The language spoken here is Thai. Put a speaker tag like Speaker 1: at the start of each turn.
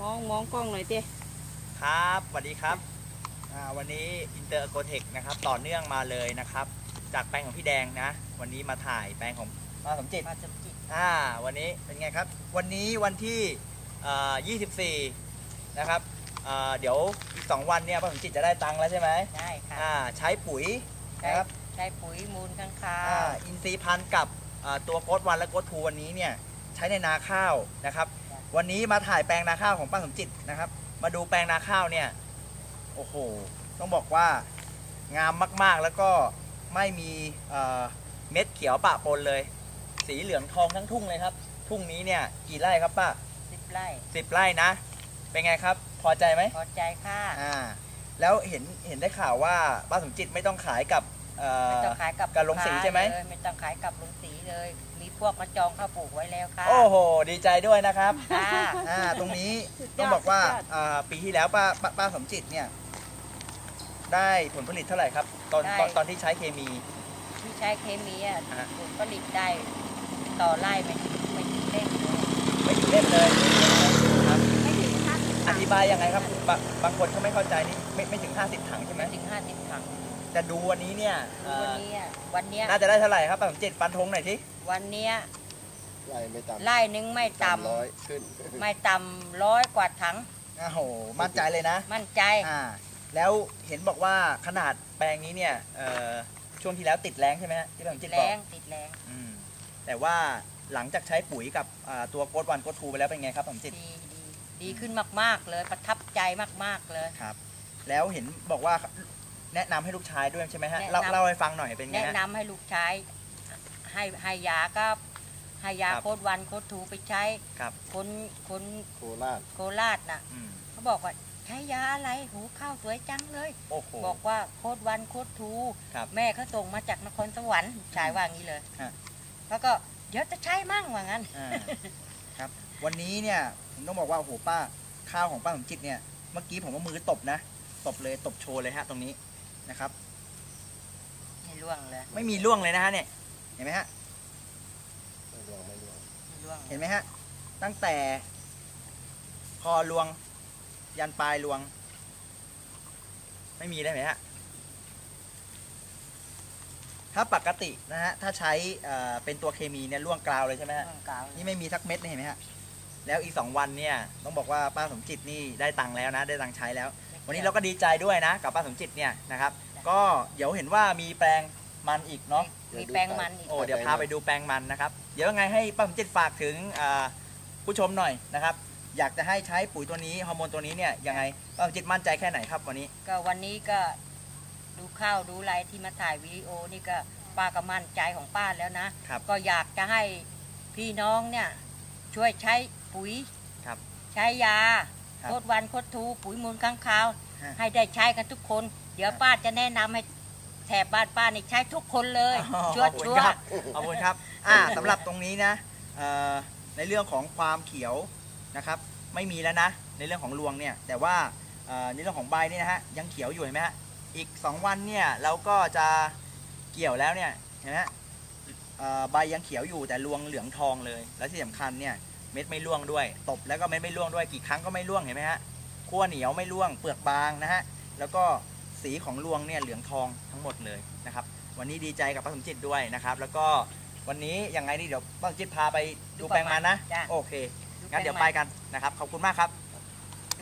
Speaker 1: มองกล้องหน่อยเต้
Speaker 2: ครับสวัสดีครับวันนี้อินเตอร์โกเทคนะครับต่อเนื่องมาเลยนะครับจากแปลงของพี่แดงนะวันนี้มาถ่ายแปลงของป้าสมจิตวันนี้เป็นไงครับวันนี้วันที่24นะครับเดี๋ยวอีก2วันเนี่ยป้าสมจิตจะได้ตังค์แล้วใช่ไหม
Speaker 1: ได้ค่ะ
Speaker 2: ใช้ปุ๋ยนะครับ
Speaker 1: ใช้ปุ๋ยมูลข้างคาว
Speaker 2: อินทรีย์พันธุ์กับตัวโค้ดวันและโค้ดทูวันนี้เนี่ยใช้ในนาข้าวนะครับวันนี้มาถ่ายแปลงนาข้าวของป้าสมจิตนะครับมาดูแปลงนาข้าวเนี่ยโอ้โหต้องบอกว่างามมากๆแล้วก็ไม่มีเม็ดเขียวปะปนเลยสีเหลืองทองทั้งทุ่งเลยครับทุ่งนี้เนี่ยกี่ไร่ครับป้า
Speaker 1: 10 ไร่
Speaker 2: 10 ไร่นะเป็นไงครับพอใจไหม
Speaker 1: พอใจค่ะ
Speaker 2: แล้วเห็นได้ข่าวว่าป้าสมจิตไม่ต้องขายกับ
Speaker 1: ไม่ต้องขายกับ
Speaker 2: ลงสีใช่ไหม
Speaker 1: ไม่ต้องขายกับลงสีเลยมีพวกมาจองข้าวปลูกไว้แล้วค่ะ
Speaker 2: โอ้โหดีใจด้วยนะครับตรงนี้ต้องบอกว่าปีที่แล้วป้าสมจิตเนี่ยได้ผลผลิตเท่าไหร่ครับตอนที่ใช้เคมี
Speaker 1: ผลผลิตได้ต่อไร่ไม่ถึงเล่มเลย
Speaker 2: ไม่ถึงเล่มเลยครับ
Speaker 1: ไม่ถึง50
Speaker 2: อธิบายยังไงครับบางคนเขาไม่เข้าใจนี่ไม่ถึง50 ถังใช่ไหม
Speaker 1: ไม่ถึง50 ถัง
Speaker 2: แต่ดูวันนี้เนี่ย
Speaker 1: วันนี้
Speaker 2: น่าจะได้เท่าไหร่ครับป้าสมจิตฟันธงหน่อยที
Speaker 1: วันนี้
Speaker 3: ไร่
Speaker 1: หนึ่งไม่ต่ำ
Speaker 3: 100ขึ้น
Speaker 1: ไม่ต่ำ100 กว่าถัง
Speaker 2: โอ้โหมั่นใจเลยนะ
Speaker 1: มั่นใจ
Speaker 2: แล้วเห็นบอกว่าขนาดแปลงนี้เนี่ยช่วงที่แล้วติดแรงใช่ไหมที่ป้าสมจิตบอก
Speaker 1: ติดแรง
Speaker 2: แต่ว่าหลังจากใช้ปุ๋ยกับตัวโค้ดวันโค้ดทูไปแล้วเป็นไงครับป้าสมจิต
Speaker 1: ดีขึ้นมากๆเลยประทับใจมากๆเลย
Speaker 2: ครับแล้วเห็นบอกว่าแนะนำให้ลูกชายด้วยใช่ไหมฮะเล่าให้ฟังหน่อยเป็นไง
Speaker 1: แนะนำให้ลูกชายให้ยาก็ให้ยาโค้ดวันโค้ดทูไปใช้คน
Speaker 3: โค
Speaker 1: ราชน่ะเขาบอกว่าใช้ยาอะไรหูข้าวสวยจังเลยบอกว่าโค้ดวันโค้ดทูแม่เขาส่งมาจากนครสวรรค์ชายว่างี้เลยแล้วก็เดี๋ยวจะใช้มั่งว่างั้น
Speaker 2: ครับวันนี้เนี่ยผมต้องบอกว่าโอ้โหป้าข้าวของป้าสมจิตเนี่ยเมื่อกี้ผมว่ามือตบนะตบเลยตบโชว์เลยฮะตรงนี้นะครับ
Speaker 1: ไม่ร่วงเลย
Speaker 2: ไม่มีร่วงเลยนะฮะเนี่ยเห็นไหมฮะ
Speaker 3: ไม่ร่วง
Speaker 2: เห็นไหมฮะตั้งแต่คอรวงยันปลายรวงไม่มีได้ไหมฮะถ้าปกตินะฮะถ้าใช้เป็นตัวเคมีเนี่ยร่วงกราวเลยใช่ไหมฮะนี่ไม่มีสักเม็ดเห็นไหมฮะแล้วอีก2 วันเนี่ยต้องบอกว่าป้าสมจิตนี่ได้ตังค์แล้วนะได้ตังค์ใช้แล้ววันนี้เราก็ดีใจด้วยนะกับป้าสมจิตเนี่ยนะครับก็เดี๋ยวเห็นว่ามีแปลงมันอีกเนาะ
Speaker 1: มีแปลงมันอีก
Speaker 2: เดี๋ยวพาไปดูแปลงมันนะครับเดี๋ยวยังไงให้ป้าสมจิตฝากถึงผู้ชมหน่อยนะครับอยากจะให้ใช้ปุ๋ยตัวนี้ฮอร์โมนตัวนี้เนี่ยยังไงป้าสมจิตมั่นใจแค่ไหนครับวัน
Speaker 1: นี้ก็ดูข้าวดูอะไรที่มาถ่ายวิดีโอนี่ก็ป้าก็มั่นใจของป้าแล้วนะก็อยากจะให้พี่น้องเนี่ยช่วยใช้ปุ๋ยใช้ยาโค้ดวันโค้ดทูปุ๋ยมูลค้างคาวให้ได้ใช้กันทุกคนเดี๋ยวป้าจะแนะนำให้แถบบ้านป้านี่ใช้ทุกคนเลยชัวร์
Speaker 2: ขอบคุณครับสำหรับตรงนี้นะในเรื่องของความเขียวนะครับไม่มีแล้วนะในเรื่องของรวงเนี่ยแต่ว่าในเรื่องของใบนี่นะฮะยังเขียวอยู่เห็นไหมฮะอีก2 วันเนี่ยเราก็จะเกี่ยวแล้วเนี่ยเห็นไหมใบยังเขียวอยู่แต่รวงเหลืองทองเลยแล้วที่สำคัญเนี่ยเม็ดไม่ร่วงด้วยตบแล้วก็เม็ดไม่ร่วงด้วยกี่ครั้งก็ไม่ร่วงเห็นไหมฮะขั้วเหนียวไม่ร่วงเปลือกบางนะฮะแล้วก็สีของรวงเนี่ยเหลืองทองทั้งหมดเลยนะครับวันนี้ดีใจกับป้าสมจิตด้วยนะครับแล้วก็วันนี้ยังไงนี่เดี๋ยวป้าสมจิตพาไปดูแปลงมันนะโอเคงั้นเดี๋ยวไปกันนะครับขอบคุณมากครับ